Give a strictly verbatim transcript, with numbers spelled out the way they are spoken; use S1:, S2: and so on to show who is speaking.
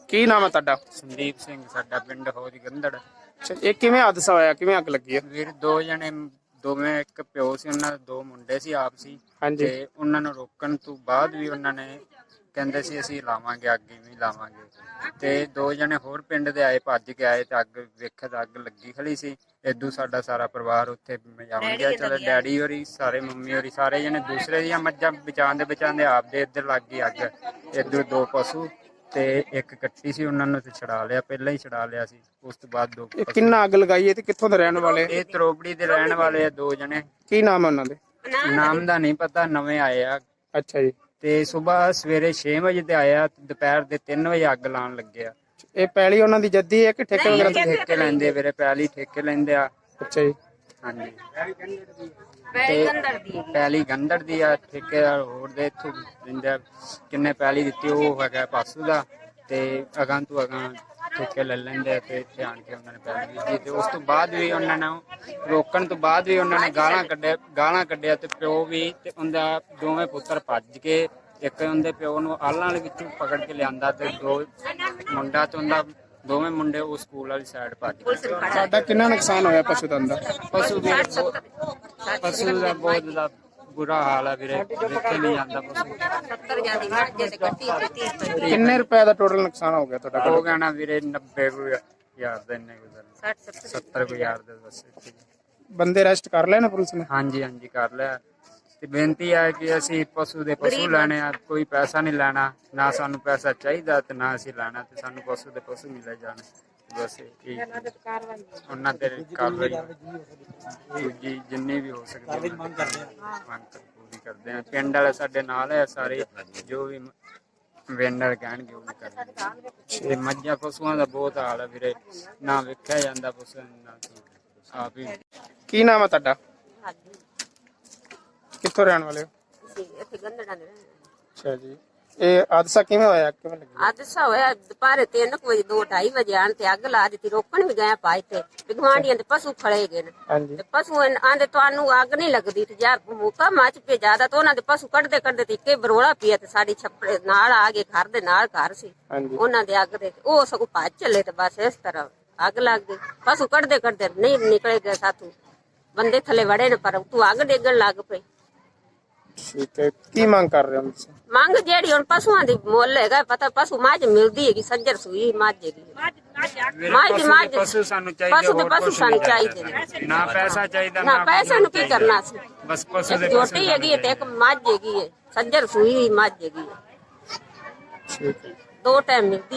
S1: ਕੀ ਨਾਮ ਹੈ ਤੁਹਾਡਾ?
S2: ਸੰਦੀਪ ਸਿੰਘ ਸਾਡਾ ਪਿੰਡ ਹੋਜ ਗੰਦੜ।
S1: ਅੱਛਾ, ਇਹ ਕਿਵੇਂ ਹਾਦਸਾ ਹੋਇਆ, ਕਿਵੇਂ ਅੱਗ ਲੱਗੀ ਹੈ?
S2: ਵੀਰ ਦੋ ਜਣੇ ਦੋਵੇਂ ਇੱਕ ਪਿਓ ਸੀ, ਉਹਨਾਂ ਦੇ ਦੋ ਮੁੰਡੇ ਸੀ ਆਪ ਸੀ।
S1: ਹਾਂਜੀ।
S2: ਤੇ ਉਹਨਾਂ ਨੂੰ ਰੋਕਣ ਤੋਂ ਬਾਅਦ ਵੀ ਉਹਨਾਂ ਨੇ ਕਹਿੰਦੇ ਸੀ ਅਸੀਂ ਲਾਵਾਂਗੇ ਅੱਗ ਵੀ ਲਾਵਾਂਗੇ। ਤੇ ਦੋ ਜਣੇ ਹੋਰ ਪਿੰਡ ਦੇ ਆਏ, ਭੱਜ ਕੇ ਆਏ ਤੇ ਅੱਗ ਵੇਖਿਆ ਤਾਂ ਅੱਗ ਲੱਗੀ ਖੜੀ ਸੀ। ਇਦੋਂ ਸਾਡਾ ਸਾਰਾ ਪਰਿਵਾਰ ਉੱਥੇ ਮਜਾਉਣ ਗਿਆ। ਚਲੋ ਡੈਡੀ ਹੋਰੀ ਸਾਰੇ, ਮੰਮੀ ਹੋਰੀ ਸਾਰੇ ਜਣੇ ਦੂਸਰੇ ਦੀਆਂ ਮੱਝਾਂ ਬਚਾਉਂਦੇ ਬਚਾਉਂਦੇ ਆਪਦੇ ਇੱਧਰ ਲੱਗ ਗਈ ਅੱਗ। ਇੱਧਰ ਦੋ ਪਸ਼ੂ ਤੇ ਇੱਕ ਕੱਟੀ ਸੀ, ਉਹਨਾਂ ਨੂੰ ਤੇ ਛਡਾ ਲਿਆ, ਪਹਿਲਾਂ ਹੀ ਛਡਾ ਲਿਆ ਸੀ। ਉਸ ਤੋਂ ਬਾਅਦ ਦੋ
S1: ਇਹ ਕਿੰਨਾ ਅੱਗ ਲਗਾਈ ਹੈ ਤੇ ਕਿੱਥੋਂ ਦੇ ਰਹਿਣ ਵਾਲੇ?
S2: ਇਹ ਤਰੋਬੜੀ ਦੇ ਰਹਿਣ ਵਾਲੇ ਆ ਦੋ ਜਣੇ।
S1: ਕੀ ਨਾਮ ਹੈ ਉਹਨਾਂ ਦੇ?
S2: ਨਾਮ ਦਾ ਨਹੀਂ ਪਤਾ, ਨਵੇਂ ਆਏ ਆ।
S1: ਅੱਛਾ ਜੀ।
S2: ਤੇ ਸਵੇਰ ਸਵੇਰੇ ਛੇ ਵਜੇ ਤੇ ਆਇਆ, ਦੁਪਹਿਰ ਦੇ ਤਿੰਨ ਵਜੇ ਅੱਗ ਲਾਉਣ ਲੱਗੇ ਆ।
S1: ਇਹ ਪੈਲੀ ਉਹਨਾਂ ਦੀ ਜੱਦੀ ਹੈ ਕਿ ਠੇਕੇ ਵਗੈਰਾ ਤੇ?
S2: ਠੇਕੇ ਲੈਂਦੇ ਵੀਰੇ, ਪੈਲੀ ਠੇਕੇ ਲੈਂਦੇ ਆ।
S1: ਅੱਛਾ ਜੀ।
S2: ਹਾਂਜੀ, ਤੇ ਪੈਲੀ ਗੰਦੜ ਦੀ ਆ, ਠੇਕੇਦਾਰ ਹੋਰ ਦੇ ਇੱਥੋਂ ਦਿੰਦੇ ਆ। ਕਿੰਨੇ ਪੈਲੀ ਦਿੱਤੀ ਉਹ ਹੈਗਾ ਪਾਸੂ ਦਾ, ਤੇ ਅਗਾਂ ਤੋਂ ਅਗਾਂ ਠੇਕੇ ਲੈ ਲੈਂਦੇ ਆ। ਤੇ ਇੱਥੇ ਆਣ ਕੇ ਉਹਨਾਂ ਨੇ ਪੈਲੀ ਦਿੱਤੀ। ਤੇ ਉਸ ਤੋਂ ਬਾਅਦ ਵੀ ਉਹਨਾਂ ਨੂੰ ਰੋਕਣ ਤੋਂ ਬਾਅਦ ਵੀ ਉਹਨਾਂ ਨੇ ਗਾਲਾਂ ਕੱਢਿਆ ਗਾਲਾਂ ਕੱਢਿਆ ਤੇ ਪਿਓ ਵੀ ਤੇ ਉਹਦਾ ਦੋਵੇਂ ਪੁੱਤਰ ਭੱਜ ਕੇ, ਇੱਕ ਉਹਦੇ ਪਿਓ ਨੂੰ ਆਲਾਂ ਵਾਲੇ ਵਿੱਚੋਂ ਪਕੜ ਕੇ ਲਿਆਂਦਾ ਤੇ ਦੋ ਮੁੰਡਾ ਤੇ ਉਹਦਾ ਦੋਵੇਂ ਮੁੰਡੇ ਉਹ ਸਕੂਲ ਵਾਲੀ ਸਾਈਡ ਭੱਜ ਗਏ।
S1: ਸਾਡਾ ਕਿੰਨਾ ਨੁਕਸਾਨ ਹੋਇਆ ਪਸ਼ੂ ਦਾ ਅੰਦਰ?
S2: ਪਸ਼ੂ ਵੀ ਪਸ਼ੂ ਦਾ ਬਹੁਤ ਜ਼ਿਆਦਾ ਬੁਰਾ ਹਾਲ ਹੈ ਵੀਰੇ, ਵੇਖੇ ਨਹੀਂ ਜਾਂਦਾ ਪਸ਼ੂ।
S1: ਕਿੰਨੇ ਰੁਪਏ ਦਾ ਟੋਟਲ ਨੁਕਸਾਨ ਹੋ ਗਿਆ ਤੁਹਾਡਾ?
S2: ਹੋ ਗਿਆ ਨਾ ਵੀਰੇ ਨੱਬੇ ਕੁ ਹਜ਼ਾਰ ਦਾ, ਇੰਨੇ ਕੁ ਸੱਤਰ ਕੁ ਹਜ਼ਾਰ ਦਾ ਬਸ।
S1: ਬੰਦੇ ਅਰੈਸਟ ਕਰ ਲਏ ਨਾ ਪੁਲਿਸ ਨੇ?
S2: ਹਾਂਜੀ ਹਾਂਜੀ ਕਰ ਲਿਆ। ਤੇ ਬੇਨਤੀ ਹੈ ਕਿ ਅਸੀਂ ਪਸ਼ੂ ਦੇ ਪਸ਼ੂ ਲੈਣੇ ਆ, ਕੋਈ ਪੈਸਾ ਨਹੀਂ ਲੈਣਾ, ਨਾ ਸਾਨੂੰ ਪੈਸਾ ਚਾਹੀਦਾ ਤੇ ਨਾ ਅਸੀਂ ਲੈਣਾ। ਤੇ ਸਾਨੂੰ ਪਸ਼ੂ ਦੇ ਪਸ਼ੂ ਮਿਲੇ ਜਾਣ ਬਸ। ਇਹ ਉਹਨਾਂ ਤੇ ਕਾਰਵਾਈ ਦੂਜੀ ਜਿੰਨੀ ਵੀ ਹੋ ਸਕਦੀ ਮੰਗ ਕਰਦੇ ਆ, ਮੰਗ ਪੂਰੀ ਕਰਦੇ ਆ। ਪਿੰਡ ਵਾਲੇ ਸਾਡੇ ਨਾਲ ਹੈ ਸਾਰੇ, ਜੋ ਵੀ ਵੇਂਡਰ ਕਹਿਣਗੇ ਉਹ ਵੀ ਕਰਨਗੇ। ਤੇ ਮੱਝਾਂ ਪਸ਼ੂਆਂ ਦਾ ਬਹੁਤ ਹਾਲ ਹੈ ਵੀਰੇ, ਨਾ ਵੇਖਿਆ ਜਾਂਦਾ ਪਸ਼ੂ ਨਾ ਆਪ ਹੀ।
S1: ਕੀ ਨਾਮ ਹੈ ਤੁਹਾਡਾ? ਕਿੱਥੋਂ ਰਹਿਣ ਵਾਲੇ ਹੋ?
S3: ਇੱਥੇ ਗੰਦੜਾਂ ਦੇ।
S1: ਅੱਛਾ ਜੀ। ਇਹ ਹਾਦਸਾ ਕਿਵੇਂ ਹੋਇਆ, ਕਿਵੇਂ ਲੱਗਿਆ?
S3: ਹਾਦਸਾ ਹੋਇਆ ਦੁਪਹਿਰੇ ਤਿੰਨ ਕੁ ਵਜੇ, ਦੋ ਢਾਈ ਵਜੇ ਆਣ ਤੇ ਅੱਗ ਲਾ ਦਿੱਤੀ। ਰੋਕਣ ਵੀ ਗਏ ਪਾਈ ਤੇ ਗਵਾਂਢੀਆਂ ਦੇ ਪਸ਼ੂ ਖੜੇ ਗਏ ਨੇ।
S1: ਹਾਂਜੀ।
S3: ਤੇ ਪਸ਼ੂ ਆਂਦੇ ਤੁਹਾਨੂੰ ਅੱਗ ਨਹੀਂ ਲੱਗਦੀ ਤੇ ਯਾਰ ਮੁੱਕਾ ਮੱਚ ਪਏ ਜ਼ਿਆਦਾ। ਤਾਂ ਉਹਨਾਂ ਦੇ ਪਸ਼ੂ ਕੱਢਦੇ ਕੱਢਦੇ ਤੇ ਇੱਕੇ ਬਰੋਲਾ ਪਿਆ ਤੇ ਸਾਡੀ ਛੱਪੜੇ ਨਾਲ ਆ ਗਏ, ਘਰ ਦੇ ਨਾਲ ਘਰ ਸੀ ਉਹਨਾਂ ਦੇ ਅੱਗ ਦੇ। ਉਹ ਸਗੋਂ ਭੱਜ ਚੱਲੇ ਤੇ ਬਸ ਇਸ ਤਰ੍ਹਾਂ ਅੱਗ ਲੱਗ ਗਈ। ਪਸ਼ੂ ਕੱਢਦੇ ਕੱਢਦੇ ਨਹੀਂ ਨਿਕਲੇ ਗਏ ਸਾਥੋਂ, ਬੰਦੇ ਥੱਲੇ ਵੜੇ ਨੇ ਪਰ ਤੂੰ ਅੱਗ ਡੇਗਣ ਲੱਗ ਪਈ।
S1: ਠੀਕ ਹੈ, ਕੀ ਮੰਗ ਕਰ ਰਹੇ ਹੋ ਤੁਸੀਂ?
S3: ਮੰਗ ਜਿਹੜੀ ਹੁਣ ਪਸ਼ੂਆਂ ਦੀ ਮੁੱਲ ਹੈਗਾ, ਪਤਾ ਪਸ਼ੂ ਮੱਝ ਮਿਲਦੀ ਹੈਗੀ, ਸੱਜਰ ਸੂਈ ਮੱਝ ਹੈਗੀ। ਮੱਝ ਦੀ ਮੱਝ
S2: ਪਸ਼ੂ ਸਾਨੂੰ ਚਾਹੀਦੇ,
S3: ਪਸ਼ੂ ਦੇ ਪਸ਼ੂ ਸਾਨੂੰ ਚਾਹੀਦੇ ਨੇ।
S2: ਨਾ ਪੈਸਾ ਚਾਹੀਦਾ
S3: ਨਾ ਪੈਸੇ ਨੂੰ ਕੀ ਕਰਨਾ ਸੀ।
S2: ਬਸ ਪਸ਼ੂ ਦੇ
S3: ਛੋਟੀ ਹੈਗੀ ਤੇ ਇੱਕ ਮੱਝ ਹੈਗੀ ਹੈ, ਸੱਜਰ ਸੂਈ ਮੱਝ ਹੈਗੀ ਹੈ,
S1: ਠੀਕ ਹੈ।
S3: ਦੋ ਟਾਈਮ ਮਿਲਦੀ।